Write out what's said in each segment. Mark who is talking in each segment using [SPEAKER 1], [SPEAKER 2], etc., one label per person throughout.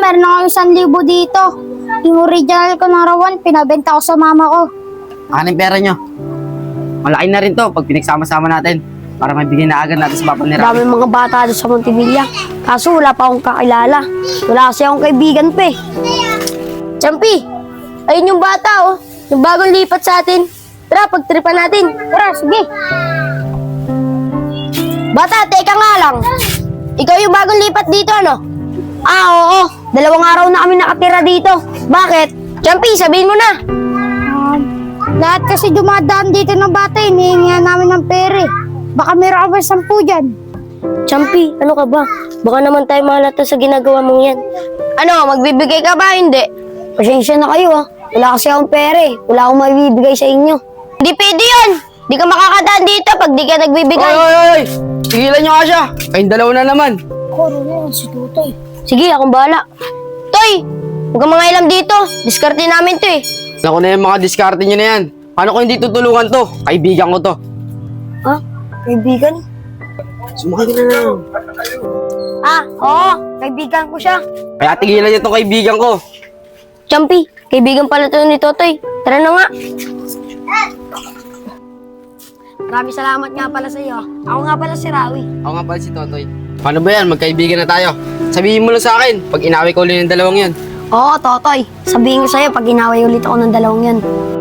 [SPEAKER 1] meron ako 1,000 dito. Yung original ko na rawan, pinabenta ko sa mama ko.
[SPEAKER 2] Akin ang pera nyo. Malaki na rin to pag pinagsama-sama natin. Para maibigay na agad natin sa papa ni Rami.
[SPEAKER 3] Dami mga bata doon sa Montevilla. Kaso wala pa akong kakilala. Wala kasi akong kaibigan pa eh.
[SPEAKER 1] Champi, ayun yung bata oh. Yung bagong lipat sa atin. Tara, pagtripan natin. Tara, sige. Bata, teka nga lang. Ikaw yung bagong lipat dito, ano?
[SPEAKER 3] Ah, oo. 2 araw na kami nakatira dito. Bakit?
[SPEAKER 1] Champi, sabihin mo na. Lahat kasi dumadaan dito ng bata, hinihingihan namin ng pere. Baka meron ka ba 10 dyan?
[SPEAKER 3] Champi, ano ka ba? Baka naman tayo mahalata sa ginagawa mong yan.
[SPEAKER 1] Ano, magbibigay ka ba? Hindi.
[SPEAKER 3] Pasensya na kayo ah. Wala kasi akong pere. Wala akong maibibigay sa inyo.
[SPEAKER 1] Hindi pwede yun. Di ka makakadaan dito pag di ka nagbibigay.
[SPEAKER 2] Oy! Tigilan nyo nga siya. Kayong dalawa na naman.
[SPEAKER 1] Si Tutoy.
[SPEAKER 3] Sige, akong bahala.
[SPEAKER 1] Toy, huwag kang mga ilam dito. Diskarte namin to eh.
[SPEAKER 2] Alam ko na yung mga diskarte nyo na yan. Paano ko hindi tutulungan to? Kaibigan ko to.
[SPEAKER 3] Ha? Kaibigan?
[SPEAKER 2] Sumakay ka na lang.
[SPEAKER 3] Ah, oo. Kaibigan ko siya.
[SPEAKER 2] Kaya tigilan nyo tong kaibigan ko.
[SPEAKER 3] Champi, kaibigan pala to ni Totoy. Tara na nga. Maraming salamat nga pala sa iyo. Ako nga pala si Rawi.
[SPEAKER 2] Ako nga pala si Totoy. Paano ba yan? Magkaibigan na tayo. Sabihin mo lang sa akin pag inaway ko ulit ng dalawang yan.
[SPEAKER 3] Oo, Totoy. Sabihin ko sa'yo pag inaway ulit ako ng dalawang yan.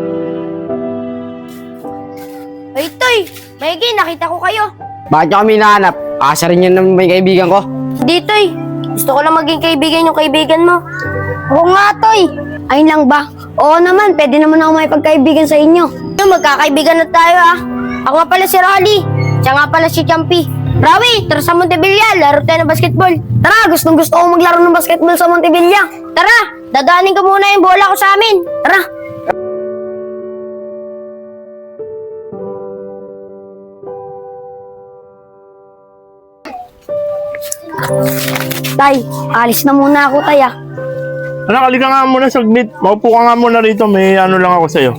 [SPEAKER 1] Ay, Toy, Maigi, nakita ko kayo.
[SPEAKER 2] Bakit nyo kami hinahanap? Asa rin yan ng may kaibigan ko.
[SPEAKER 1] Hindi, Toy. Gusto ko lang maging kaibigan yung kaibigan mo. Oo nga, Toy.
[SPEAKER 3] Ayun lang ba? Oo naman, pwede naman ako may pagkaibigan sa inyo.
[SPEAKER 1] Yung magkakaibigan na tayo ah. Ako nga pala si Rolly. Siya nga pala si Champi. Rawi, tara sa Montevilla, laro tayo ng basketball.
[SPEAKER 3] Tara, gustong gusto ko maglaro ng basketball sa Montevilla.
[SPEAKER 1] Tara, dadaanin ko muna yung bola ko sa amin.
[SPEAKER 3] Tara. Tay, alis na muna ako, tay ah.
[SPEAKER 4] Anak, halika nga muna saglit. Maupo ka nga muna rito. May ano lang ako sa'yo.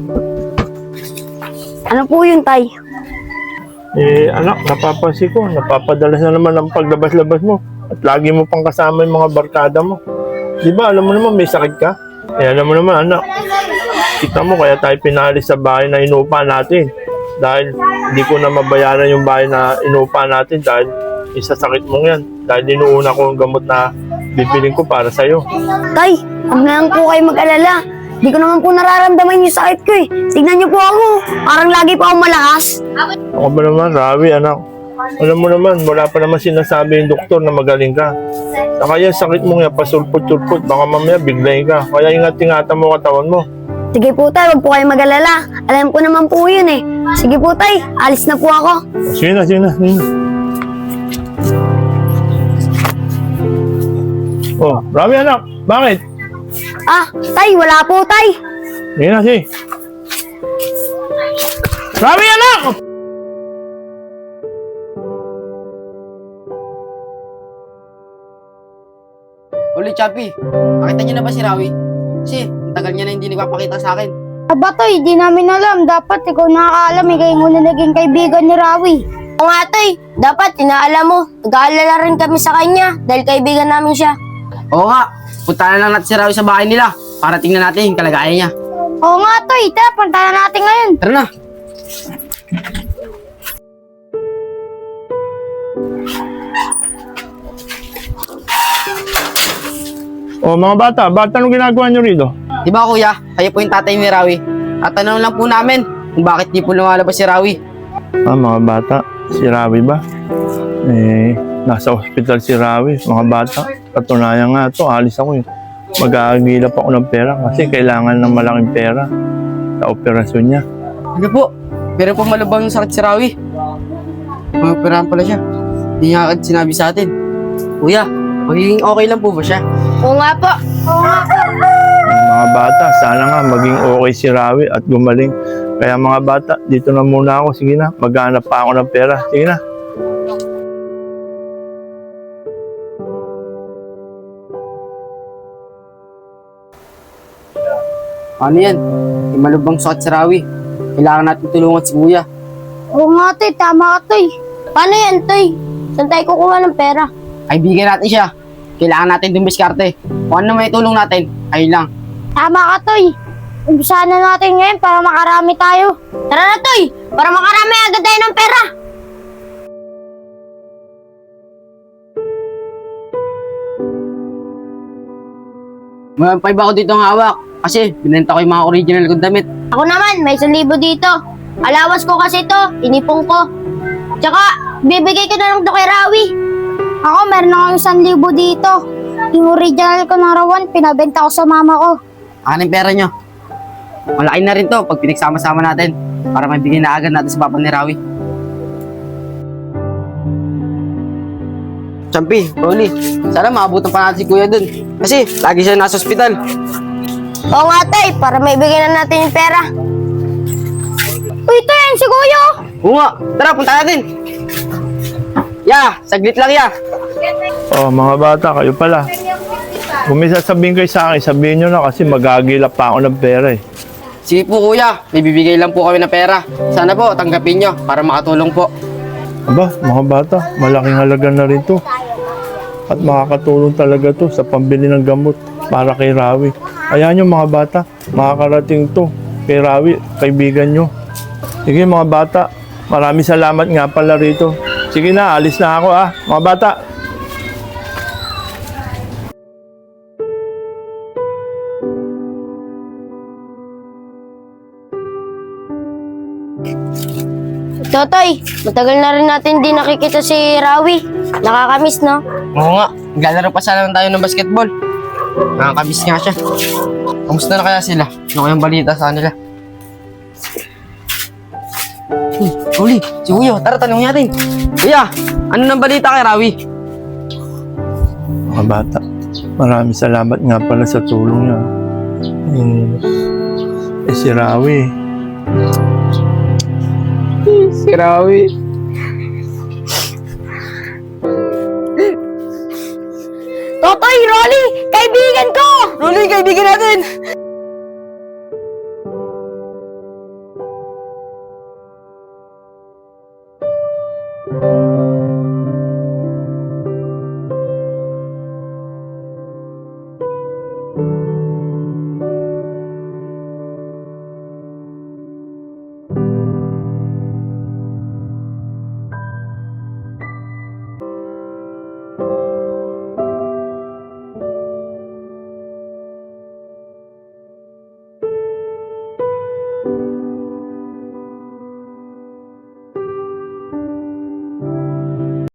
[SPEAKER 3] Ano po yun, tay?
[SPEAKER 4] Anak, napapansin ko. Napapadalas na naman ang paglabas-labas mo. At lagi mo pang kasama yung mga barkada mo. Di ba, alam mo naman may sakit ka? Alam mo naman, anak. Kita mo, kaya tayo pinalis sa bahay na inupa natin. Dahil hindi ko na mabayaran yung bahay na inupa natin dahil isasakit mong yan. Dahil inuuna ko ang gamot na bibiling ko para sa'yo.
[SPEAKER 3] Tay, huwag na lang po kayo mag-alala. Di ko naman po nararamdaman yung sakit ko eh. Tignan niyo po ako. Parang lagi pa akong malakas.
[SPEAKER 4] Ako ba naman, Rawi, anak? Alam mo naman, wala pa naman sinasabi yung doktor na magaling ka. Saka yan, sakit mo nga, pasulpot-sulpot. Baka mamaya biglayin ka. Kaya ingat-ingatan mo katawan mo.
[SPEAKER 3] Sige po tay, huwag po kayo mag-alala. Alam ko naman po yun eh. Sige po tay, alis na po ako.
[SPEAKER 4] Sige na, sige na, sige na. Oh, Rawi, anak, bakit?
[SPEAKER 3] Ah, tay, wala po tay.
[SPEAKER 4] Sige na, sige. Rawi, anak!
[SPEAKER 2] Uli, Chappy. Nakita niyo na ba si Rawi? Kasi, ang tagal niya na hindi nagpapakita sa akin.
[SPEAKER 1] Aba, Toy, di namin alam. Dapat ikaw nakakaalam eh, kaya muna naging kaibigan ni Rawi. Oo nga, Toy. Dapat, inaalam mo. Nag-aalala rin kami sa kanya dahil kaibigan namin siya.
[SPEAKER 2] Oo nga. Punta na lang natin si Rawi sa bahay nila para tingnan natin yung kalagayan niya.
[SPEAKER 1] Oo nga, Toy. Tara, punta na natin ngayon.
[SPEAKER 2] Tara na.
[SPEAKER 4] Oh, mga bata, ba't anong ginagawa nyo rito?
[SPEAKER 2] Di ba kuya, kayo po yung tatay ni Rawi. Tatanong lang po namin kung bakit di po lumalabas si Rawi.
[SPEAKER 4] Ah, mga bata, si Rawi ba? Nasa ospital si Rawi, mga bata. Katunayan nga to, alis ako eh. Mag-aagila pa ako ng pera kasi kailangan ng malaking pera sa operasyon niya.
[SPEAKER 2] Ano po? Meron po malubang sakit si Rawi. Mag-operahan pala siya. Hindi niya agad sinabi sa atin. Kuya, magiging okay lang po ba siya?
[SPEAKER 1] Oo nga po.
[SPEAKER 4] Mga bata, sana nga maging okay si Rawi at gumaling. Kaya mga bata, dito na muna ako. Sige na, maghanap pa ako ng pera. Sige na.
[SPEAKER 2] Ano yan? May malubang sakit si Rawi. Kailangan natin tulungan si Kuya.
[SPEAKER 1] Oo nga, Toy. Tama ka, Toy. Paano yan, Toy? Saan tayo kukuha ng pera?
[SPEAKER 2] Kaibigan natin siya. kailangan natin dumiskarte. Kung ano may tulong natin, ayun lang.
[SPEAKER 1] Tama ka, Toy. Umpisahan na natin ngayon para makarami tayo. Tara na, Toy! Para makarami agad tayo ng pera.
[SPEAKER 2] May 5 ako dito ang hawak. Kasi binenta ko yung mga original kong damit.
[SPEAKER 1] Ako naman, may 1,000 dito. Alawas ko kasi to, inipong ko. Tsaka, bibigay ko na lang to kay Rawi. Ako, meron akong 1,000 dito. Yung original ko na rawan, pinabenta ko sa mama ko.
[SPEAKER 2] Akin ang pera nyo. Malaki na rin to pag pinagsama-sama natin para may bigay na agad natin sa papa ni Rawi. Champi, Rolly, sana maabutan pa natin si Kuya dun. Kasi lagi siya nasa ospital.
[SPEAKER 1] Oo nga, Toy, para may bigay na natin yung pera. Uy, Toy, yan si Kuya.
[SPEAKER 2] Oo nga, tara punta natin. Ya, saglit lang ya.
[SPEAKER 4] Oh, mga bata, kayo pala. Kung may sasabihin kayo sa akin, sabihin nyo na kasi magagilap pa ako ng pera eh.
[SPEAKER 2] Sige po kuya, may bibigay lang po kami ng pera. Sana po tanggapin nyo para makatulong po.
[SPEAKER 4] Aba, mga bata, malaking halaga na rin to. At makakatulong talaga to sa pambili ng gamot para kay Rawi. Ayan yung mga bata, makakarating to kay Rawi, kaibigan nyo. Sige mga bata, maraming salamat nga pala rito. Sige na, alis na ako mga bata.
[SPEAKER 1] Totoy, matagal na rin natin di nakikita si Rawi. Nakakamiss, no?
[SPEAKER 2] Oo nga, naglalaro pa sana tayo ng basketball. Nakakabis nga siya. Kamusta na kaya sila? Ano kayang balita sa kanila? Uli, si Kuya, tara tanongin natin. Kuya, ano nang balita kay Rawi?
[SPEAKER 4] Mga bata, maraming salamat nga pala sa tulong niya. Si Rawi,
[SPEAKER 2] Si Rawi.
[SPEAKER 1] Totoy, Rolly, kaibigan ko!
[SPEAKER 2] Rolly, kaibigan natin!